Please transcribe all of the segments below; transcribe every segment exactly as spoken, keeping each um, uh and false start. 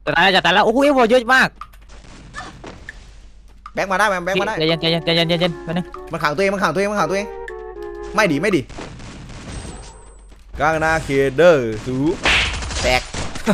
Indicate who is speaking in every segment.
Speaker 1: จะตายแล้วจะตายแล้วโอ้โหเยอะมาก
Speaker 2: แบงค์มาได้แบงค์แบงค์มาได้
Speaker 1: ใจเย็นใจเย็นใจเย็นใจเย็นไปนึง
Speaker 2: มันขังตัวเองมันขังตัวเองมันขังตัวเองไม่ดีไม่ดีกางนาเคเดอร์สูแตก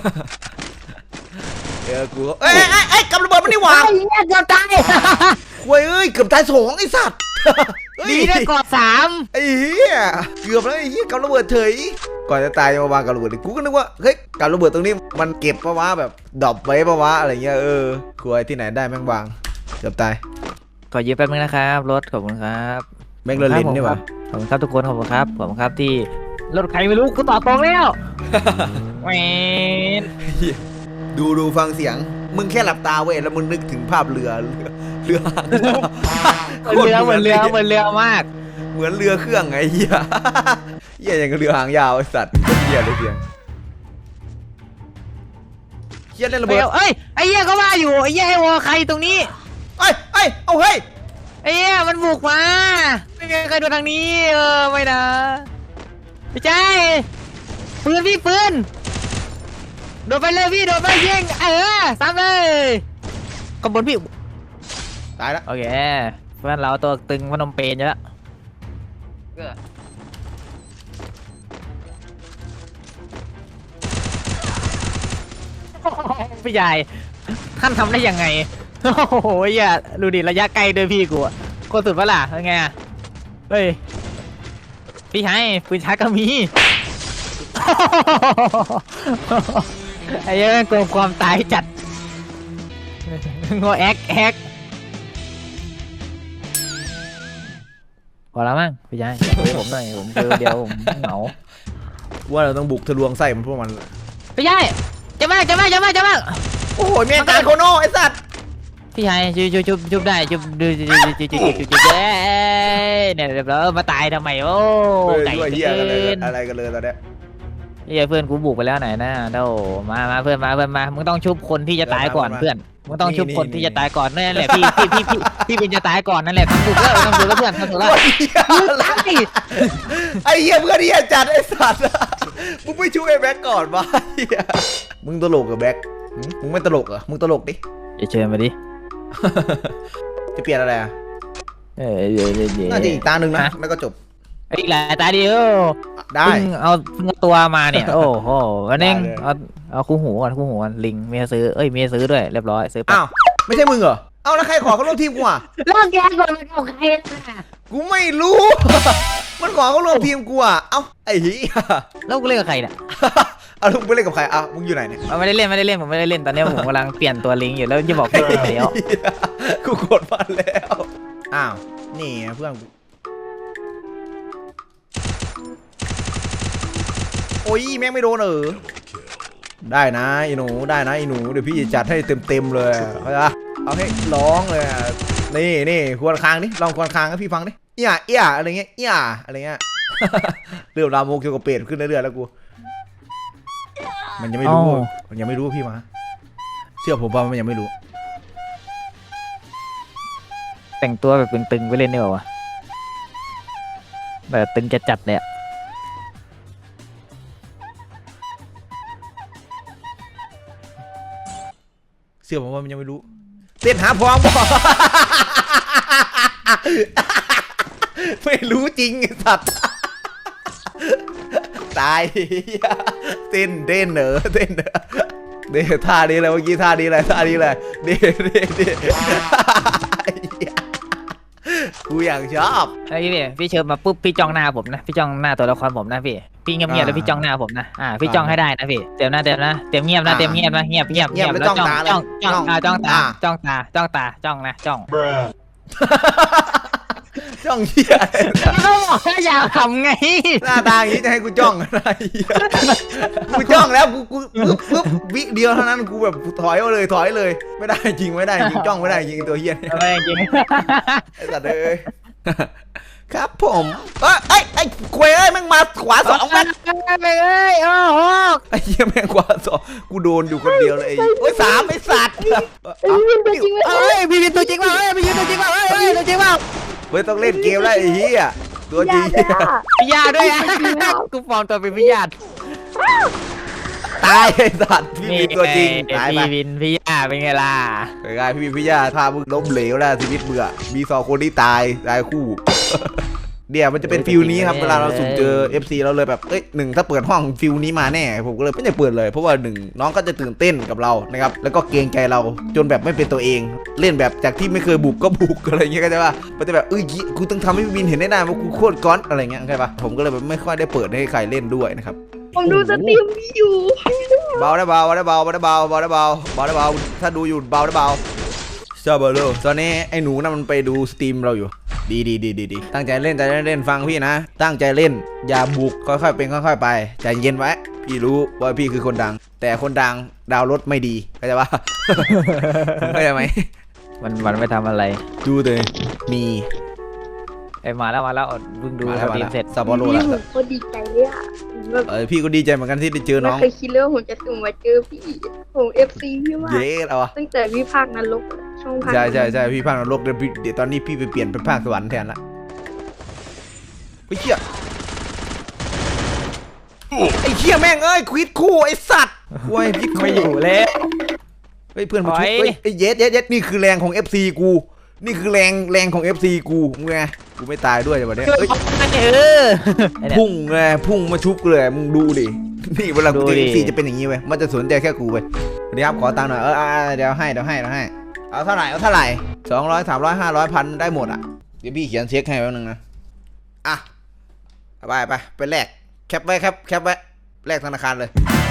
Speaker 2: เดี๋ยวกูเอ้ยไอ้ไอ้กำระเบิดมันนี่หว่า
Speaker 1: ไอ้เนี่ยเกือบตาย
Speaker 2: คุยเอ้ยเกือบตายสองไอ้สัตว์
Speaker 1: ดีได้กอดสาม
Speaker 2: ไอ้เหี้ยเกือบแล้วไอ้เหี้ยกำระเบิดเฉยก่อนจะตายมาวางกำระเบิดกูก็นึกว่าเฮ้ยกำระเบิดตรงนี้มันเก็บปะวะแบบดรอปไว้ปะวะอะไรเงี้ยเออคุยที่ไหนได้แม่งวางเกือบตาย
Speaker 1: ขอยืมแป๊บนึงนะครับรถขอบคุณครับ
Speaker 2: แม่งเล่นนี่หว่า
Speaker 1: ขอบคุณครับทุกคนขอบคุณครับขอบคุณครับที่รถใครไม่รู้กูต่อตรงแล้วแหวน
Speaker 2: ดูดูฟังเสียงมึงแค่หลับตาเว้ยแล้วมึงนึกถึงภาพเรือเรือเรือ
Speaker 1: เหมือนเรือเหมือนเรือเหมือนเรือมาก
Speaker 2: เหมือนเรือเครื่องไงเหี้ยเหี้ยอย่างกับเรือหางยาวไอ้สัตว์เหี้ยเลยเพียงเหี้ยเล่นระเบิด
Speaker 1: เอ้ยไอ้เหี้ยก็ว่าอยู่ไอ้เหี้ยไอ้วอใครตรงนี้
Speaker 2: เอ้ยเอ้ยเอาเฮ้ย
Speaker 1: ไอ้เหี้ยมันบุกมาไม่มีใครโดนทางนี้เออไม่นะพี่ใจปืนพี่ปืนโดนไปเลยพี่โดนไปยิงเออซ้ำเลยขบวนพี่
Speaker 2: ตายแล้ว
Speaker 1: โอเคเพื่อนเราตัวตึงพนมเปญอยู่แล้วพี่ใหญ่ท่านทำได้ยังไงโอ้โหอย่าดูดิระยะไกลด้วยพี่กูอะโคตรสุดปะล่ะยังไงเฮ้ยพี่ชายปืนชาร์จก็มีไอ้ยังกลัวความตายจัดงอแอ๊กแอ๊กพอแล้วมั้งพี่ชายคุยผมหน่อยผมเจอเดียวผมเหงา
Speaker 2: ว่าเราต้องบุกทะลวงไส้มันพวกมัน
Speaker 1: พี่ชายจะมากจะมากจะมากจะมาก
Speaker 2: โอ้โหเมียการโคโน่ไอ้สัตว์
Speaker 1: พี่ชายจุบจุบจุบจุบได้จุบดูจุบจุบจุบจุบจุบจุบเนี่ยเดี๋ยวเรามาตายทำไมโอ้
Speaker 2: ไก่เหี้ยอะไรกันเลยตอนเนี้ย
Speaker 1: นี่เพื่อนกูบุกไปแล้วไหนนะเด้อมามาเพื่อนมาเพื่อนมามึงต้องชุบคนที่จะตายก่อนเพื่อนมึงต้องชุบคนที่จะตายก่อนนั่นแหละพี่พี่พี่พี่พี่เป็นจะตายก่อนนั่นแหละทำถูกแล้วทำถูกแล้วเพื่อนทำถูกแล้ว
Speaker 2: ไอ้เหี้ยเพื่อนเหี้ยจัดไอ้สัตว์มึงไม่ช่วยแบ็กก่อนวะมึงตลกกับแบ็กมึงไม่ตลกเหรอมึงตลกดิ
Speaker 1: จะเชิญมาดิ
Speaker 2: จะเปลี่ยนอะไรอ่ะ
Speaker 1: เออเดี๋ยวเดี๋ยว
Speaker 2: น่าจะอีกตาหนึ่งนะแล้วก็จบ
Speaker 1: อีกหลายตาเดียว
Speaker 2: ได้
Speaker 1: เอาตัวมาเนี่ยโอ้โหวันนึงเอาเอาคู่หูก่อนคู่หูก่อนลิงเมียซื้อเอ้ยเมียซื้อด้วยเรียบร้อยซื้อ
Speaker 2: อ้าวไม่ใช่มึงเหรอเอ้าแล้วใครขอเขาร่วมทีมกูอ่ะ
Speaker 1: ร่วมแกก่อนมันเอาใครล่ะ
Speaker 2: กูไม่รู้มันขอเขาร่วมทีมกูอ่ะเอ้าไอ้เหี้ย
Speaker 1: แล้วกูเล่นกับใครเนี่ย
Speaker 2: เอาลุงไปเล่นกับใครอ่ะมึงอยู่ไหนเนี่ย
Speaker 1: ไม่ได้เล่นไม่ได้เล่นผมไม่ได้เล่นตอนนี้ผมกำลังเปลี่ยนตัวลิงอยู่แล้วจะบอกเพื่อนแล้ว
Speaker 2: กูกดมาแล้วอ้าวนี่เพื่อนโอ้ยแม่งไม่โดนเออได้นะไอ้หนูได้นะไอ้หนูเดี๋ยวพี่จะจัดให้เต็มเต็มเลยเอาเอาให้ร้องเลยนี่นี่ควรค้างนี่ลองควรค้างให้พี่ฟังดิเอี้ยเอี้ยอะไรเงี้ยเอี้ยอะไรเงี้ยเรื่องราวโมเกี่ยวกับเป็ดขึ้นเรื่อยๆแล้วกูมันยังไม่รู้มันยังไม่รู้พี่มาเชื่อผมว่ามันยังไม่รู้
Speaker 1: แต่งตัวแบบตึงๆไปเล่นได้ป่าวะแบบตึงจัดๆเลยอะ
Speaker 2: เชื่อผมว่ามันยังไม่รู้เต้นหาพร้อมบอกไม่รู้จริงสัตว์ตายเต้นเต้นเหนอเต้นเหนอเดี๋ยวท่านี้เลยเมื่อกี้ท่านี้เลยท่านี้เลยเดี๋ยวเดี๋ยวเดี๋ยวกูอยากชอบ
Speaker 1: ไอ้พี่พี่เชิญมาปุ๊บพี่จ้องหน้าผมนะพี่จ้องหน้าตัวละครผมนะพี่พี่เงียบๆแล้วพี่จ้องหน้าผมนะอ่าพี่จ้องให้ได้นะพี่เต็มหน้าเต็มนะเต็มเงียบนะเต็มเงียบนะเงียบเงียบเงียบแล้วจ้องจ้องจ้องจ้องตาจ้องตาจ้องตาจ้องนะจ้อง
Speaker 2: จ้องเหี้ย
Speaker 1: เขาบอกว่าอยากทำไง
Speaker 2: หน้าตาอย่างนี้จะให้กูจ้องอะไรกูจ้องแล้วกูกูปึ๊บปึ๊บวิเดียวเท่านั้นกูแบบถอยเลยถอยเลยไม่ได้จริงไม่ได้จริงจ้องไม่ได้จริงตัวเฮี้ย
Speaker 1: ไม่จริง
Speaker 2: ไอ้สัตว์เอ้ยครับผมเอ้ยไอ้ไอ้ควยเอ้ยแม่งมาขวาสองแม่ง
Speaker 1: เอ้ยโอ้โห
Speaker 2: ไอ้เหี้ยแม่งขวาสองกูโดนอยู่คนเดียวเลยโอ้ยสามไอ้สัตว์
Speaker 1: เอ้ยพี่เป็นตัวจริงเปล่าเอ้ยพี่เป็นตัวจริงเปล่าเอ้ยตัวจริงเปล่า
Speaker 2: เฮ้ยต้องเล่นเกมแล้วไอ้เหี้ยตัวจริง
Speaker 1: พี่ยาด้วยกูฟอร์มตัวเป็นพี่ยา
Speaker 2: ตายไอ้สัตว์พี่วินตัวจริงตายไป
Speaker 1: พี่วินพี่ย่าเป็นไงล่ะ
Speaker 2: เป็นไงพี่วินพี่ย่าพามึงล้มเหลวแล้วชีวิตเบื่อมีสองคนที่ตายตายคู่ เดี๋ยวมันจะเป็นฟิลนี้ครับเวลาเราสุ่มเจอ เอฟ ซี เราเลยแบบเอ้ยหนึ่งถ้าเปิดห้องฟิลนี้มาแน่ผมก็เลยไม่ได้เปิดเลยเพราะว่าหนึ่งน้องก็จะตื่นเต้นกับเรานะครับแล้วก็เกรงใจเราจนแบบไม่เป็นตัวเอง เล่นแบบจากที่ไม่เคยบุกก็บุกอะไรเงี้ยก็จะว่ามันจะแบบเอ้ยกูต้องทำให้พี่วินเห็นได้นานว่ากูโคตรก้อนอะไรเงี้ยใช่ปะผมก็เลยแบบไม่ค่อยได้เปิดให้ใครเล่นด้วยนะครับ
Speaker 3: ผมดูสตรีมพี่อยู่
Speaker 2: เบาได้เบาได้เบาได้เบาเบาได้เบาเบาได้เบาถ้าดูอยู่เบาได้เบาชอบเบลตอนนี้ไอ้หนูน่ะมันไปดูสตรีมเราอยู่ดีดีดีดีดีตั้งใจเล่นใจเล่นฟังพี่นะตั้งใจเล่นอย่าบุกค่อยๆเป็นค่อยๆไปใจเย็นไว้พี่รู้ว่าพี่คือคนดังแต่คนดังดาวรถไม่ดีเข้าใจปะ เข้าใจไหม
Speaker 1: มันมันไม่ทำอะไร
Speaker 2: ดูเลยมี
Speaker 1: ไอ้มาแล้วมาแล้วเพิ่งดู
Speaker 2: มา
Speaker 1: ส
Speaker 2: แล้ว
Speaker 1: ตรีมเสร็จ
Speaker 2: สับปะรด
Speaker 3: พี่
Speaker 2: แล้ว
Speaker 3: ผมก็ดีใจเลยอ่ะแบบ
Speaker 2: เออพี่ก็ดีใจเหมือนกันที่ได้เจอ
Speaker 3: ไม่
Speaker 2: น้อง
Speaker 3: เคยคิดเลยว่าผมจะสุ่มมาเจอพี่ผมเอฟซีพี่มาก
Speaker 2: เย้เอาวะ
Speaker 3: ตั้งแต่พี่ภาคนรกช่องภาค
Speaker 2: ใช่ใช่ใช่พี่ภาคนรกเดี๋ยวพี่เดี๋ยวตอนนี้พี่ไปเปลี่ยนเป็นภาคสวรรค์แทนละไอ้เหี้ยไอ้เหี้ยแม่งเอ้ยควิดคู่ไอ้สัตว์กูไอ้พี่
Speaker 1: ไม่อยู่แล้ว
Speaker 2: เฮ้ยเพื่อนมาชุบ
Speaker 1: ถอย
Speaker 2: เฮ้ยไอ้เย็ดเย็ดเย็ดนี่คือแรงของ เอฟ ซี กูนี่คือแรงแรงของ เอฟ ซี กูมึงไงกูไม่ตายด้วยวันนี้เฮ้ย
Speaker 1: เออไอ้เนี่ย
Speaker 2: พุ่งเลยพุ่งมาชุบกูเลยมึงดูดินี่เวลากูเจอ
Speaker 1: ดูดิ
Speaker 2: เอฟ ซี จะเป็นอย่างนี้เว้ยมันจะสนใจแค่กูเว้ยเดี๋ยวครับขอตังค์หน่อยเอออ่าเดี๋ยวให้เดี๋ยวให้เดี๋ยวให้เอาเท่าไหร่เอาเท่าไหร่สองร้อยสามร้อยห้าร้อยพันได้หมดอ่ะเดี๋ยวพี่เขียนเช็คให้แป๊บนึงนะอ่ะเอาไปไปไปแลกแคปไว้ครับแคปไว้แลกธนาคารเลย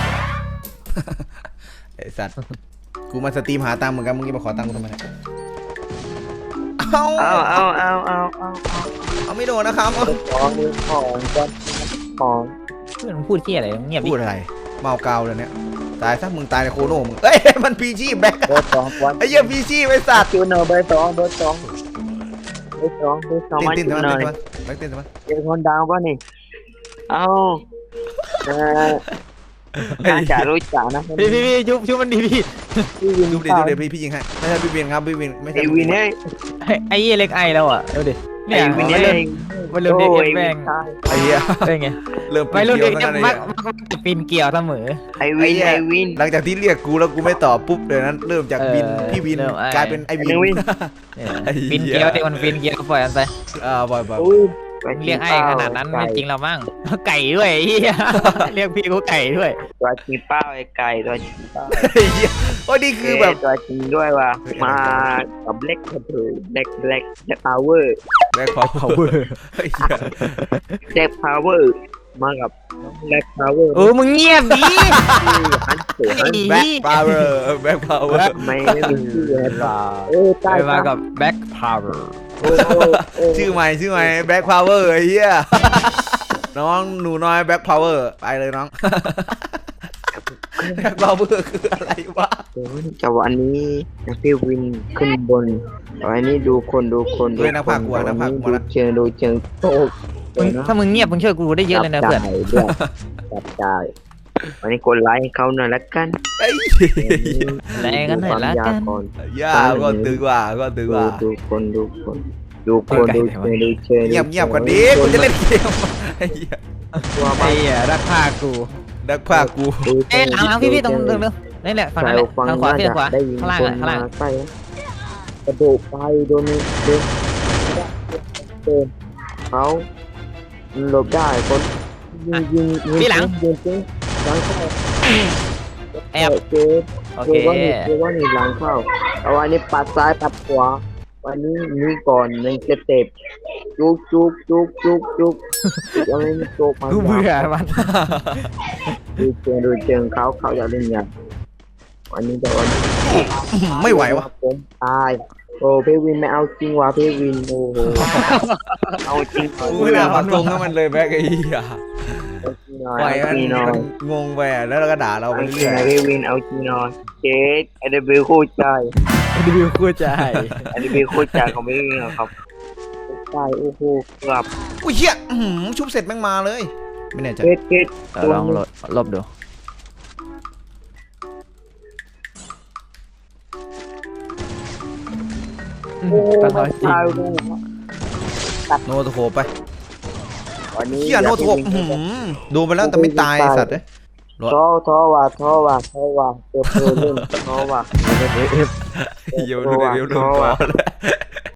Speaker 2: ไอ้สัตว์กูมาสตรีมหาตังค์เหมือนกันมึงจะมาขอตังค์กูทำไมเนี่ยเอา
Speaker 4: เอาเอาเอาเอาเอา
Speaker 2: เอาไม่โดนนะครับเอา
Speaker 4: ของมือของก้อนของ
Speaker 1: เพื่อนมึงพูดที่อะไรเงียบดิ
Speaker 2: พูดอะไรเมากาวเลยเนี่ยตายซะมึงตายในโคโน่มึงเอ้ยมันพีชีพแบ็ค
Speaker 4: เบอร์สองวัน
Speaker 2: ไอ้เหี้ยพีชีพไอ้สัตว์
Speaker 4: จูเนอร์เบอร์สองเบอร์สองเบอร์สองเบอร์สอง
Speaker 2: ติน
Speaker 4: มา
Speaker 2: ติน
Speaker 4: จู
Speaker 2: ทำไม
Speaker 4: เนอร์
Speaker 2: แบ็คตินทำไม
Speaker 4: เป็นคนดังป่ะนี่เอาเออน่าจะรู้จักนะ
Speaker 1: พี่พี่พี่ชุบชุบมันดีพี่
Speaker 4: พี่วิน
Speaker 2: ดูดิดูดิพี่พี่ยิงให้ไม่ใช่พี่วินครับพี่วินไม่ใช่
Speaker 4: ไอวินเอ้ย
Speaker 1: ไอ้ไอ้เหี้ยเล็กไอแล้วอ่ะดูดิ
Speaker 4: ไอ
Speaker 1: เนี่ย
Speaker 4: วิน
Speaker 1: มัน
Speaker 4: เอ้
Speaker 1: เริ่ม
Speaker 4: ย
Speaker 1: มันเริ่มเด็กเอฟแบง
Speaker 2: ไอ้เหี้ย
Speaker 1: เป็นไง
Speaker 2: เริ่ม
Speaker 1: วัยรุ่น
Speaker 2: เกี่
Speaker 1: เด็
Speaker 2: ยว
Speaker 1: ก
Speaker 2: กัน
Speaker 1: จะ
Speaker 2: นะ
Speaker 1: มัก
Speaker 2: เนี่ย
Speaker 1: มักจะปีนเกี่ยวเสมอ
Speaker 4: ไอวินไอวิน
Speaker 2: หลังจากที่เรียกกูแล้วกูไม่ตอบปุ๊บเดี๋ยวนั้นเริ่มจากวิน
Speaker 1: เออ
Speaker 2: พี่วิน
Speaker 1: เริ่มไอ้
Speaker 2: กลายเป็นไอ้วิน
Speaker 4: วิน
Speaker 1: เนี่ย
Speaker 2: ไอ้เหี้ย
Speaker 1: ปีนเกี่ยวเด็กมันปีนเกี่ยวปล่อยมันไป
Speaker 2: อ่าบ่อยบ่อย
Speaker 4: อุ้ย
Speaker 1: เรียกไอ้ขนาดนั้นไม่จริงเรามั้งไก่ด้วยไอ้เหี้ยเรียกพี่กูไก่ด้วย
Speaker 4: ตัวจริงเป้าไอไก่ตัวจริงเป้า
Speaker 2: ไอ้เหี้ยโอ้ยนี่คือแบบ
Speaker 4: ตัวจริงด้วยว่ะมากับเล็กกระเบือเล็กเล็กเล็กพาวเวอร์
Speaker 2: แบ็คพาวเวอร์ไอ้เหี้ย
Speaker 4: เล็กพาวเวอร์มากับเล็กพาวเวอร์
Speaker 1: เออมึงเงียบดิ
Speaker 4: หันเสือหัน
Speaker 2: แบ็คพาวเวอร์แบ็คพาวเวอร์
Speaker 4: ไม่มีชื่อเลยเออ
Speaker 1: ไป
Speaker 4: ใต้
Speaker 1: มากับแบ็คพาวเวอร์
Speaker 4: โอ้โห
Speaker 2: ชื่อใหม่ชื่อใหม่แบ็คพาวเวอร์ไอ้เหี้ย น้องหนูน้อยแบ็คพาวเวอร์ไปเลยน้อง แบ็คพาวเวอร์คืออะไรวะ
Speaker 4: จังหวะนี้พี่วินขึ้นบนวันนี้ดูคนดูคน
Speaker 2: ด้วยนักพากย์กลัวนักพากย์กลัว
Speaker 4: ดู
Speaker 2: นะ
Speaker 4: เชิงดูเชิงโต
Speaker 1: มึงถ้ามึงเงียบมึงช่วยกูได้เยอะเลยนะเพื่อน
Speaker 4: จับจ่ายวันนี้กดไลค์ให้เขาหน่อยละกัน
Speaker 2: ไอ้
Speaker 1: แรงกันหน่อยละกัน
Speaker 2: ย่าก็ตึงว่ะก็ตึง
Speaker 4: ดู
Speaker 2: ว่ะ
Speaker 4: ดูคนดูคนดูคนดูเชิงดูเชิง
Speaker 2: เงียบเงียบกว่านี้กูจะเล่นเกมไอ้เหี้ย
Speaker 4: ตัว
Speaker 1: ไอ้เหี้ยรักผ้ากู
Speaker 2: นักพากย์กู
Speaker 1: เอ้ยหลังหลังพี่พี่ตรงเดิมเร็วนี่แหละฝั่งนั้นแหละทางขวาพี่ทางขวา
Speaker 4: ได้ยิน
Speaker 1: ข้างล่าง
Speaker 4: ค
Speaker 1: อ่ะ
Speaker 4: น
Speaker 1: ข้าง
Speaker 4: มา
Speaker 1: ล่าง
Speaker 4: ใกล้กระโดดไปโดนโดนเดินเขาหลบได้คนยิงยิงยิงยิงยิงหลังเข้า
Speaker 1: แอบ
Speaker 4: เจ๊
Speaker 1: โอ
Speaker 4: เจ๊
Speaker 1: เค
Speaker 4: ว่านี่เจ๊ว่านี่หลังเข้าเอาวันนี้ปัดซ้ายปัดขวาวันนี้นี่ก่อนหนึ่งสเต็ปจุกจุกจุกจุกจุกยังไม่มีโจกมา
Speaker 1: กูเบื่อมัน
Speaker 4: ดูเชิงดูเชิงเขาเขาจะเล่นยังวันนี้จะวัน
Speaker 2: ไม่ไหววะ
Speaker 4: ผมตายโอ้พี่วินไม่เอาจริงว่ะพี่วินโอ้โหเอาจริง
Speaker 2: กูไม่น่าปักตรงให้มันเลยแบ็คไอ้เหี้ย
Speaker 4: เอาจริงหน่อย
Speaker 2: ปล่อย
Speaker 4: เอา
Speaker 2: มัน
Speaker 4: จริงหน่อย
Speaker 2: งงไปอ่ะแล้วเราก็ด่าเราไป
Speaker 4: เอาจริง
Speaker 2: เรื่
Speaker 4: ห
Speaker 2: อ
Speaker 4: น่อย
Speaker 2: ย
Speaker 4: พี่วินเอาจริงหน่อยเจ๊ไอเดบิวคู่ใจ
Speaker 1: รีวิวกูใจ
Speaker 4: ไอเดบิวคู่ใจของพี่วินเหรอครับใช่โอ้โหเกือบ
Speaker 2: อุ้ยเหี้ยอื้อหือชุบเสร็จแม่งมาเลยไม่แน่ใจ
Speaker 4: เจ็ดเจ็ด
Speaker 1: ลองลบลบดูตอนน้อยจริง
Speaker 4: ตายดู
Speaker 2: โนโตโคไป
Speaker 4: วันนี้
Speaker 2: เหี้ยโนโตโคอื้อหือโดนไปแล้วแต่ไม่ตายไอ้สัตว์เอ้ยรถ
Speaker 4: ท้อท้อว่ะท้อว่ะท้อว่ะเติมเติมเล่นท้อว่ะ
Speaker 2: เอฟเอฟเดี๋ยวดูเดี๋ยวดูก่อน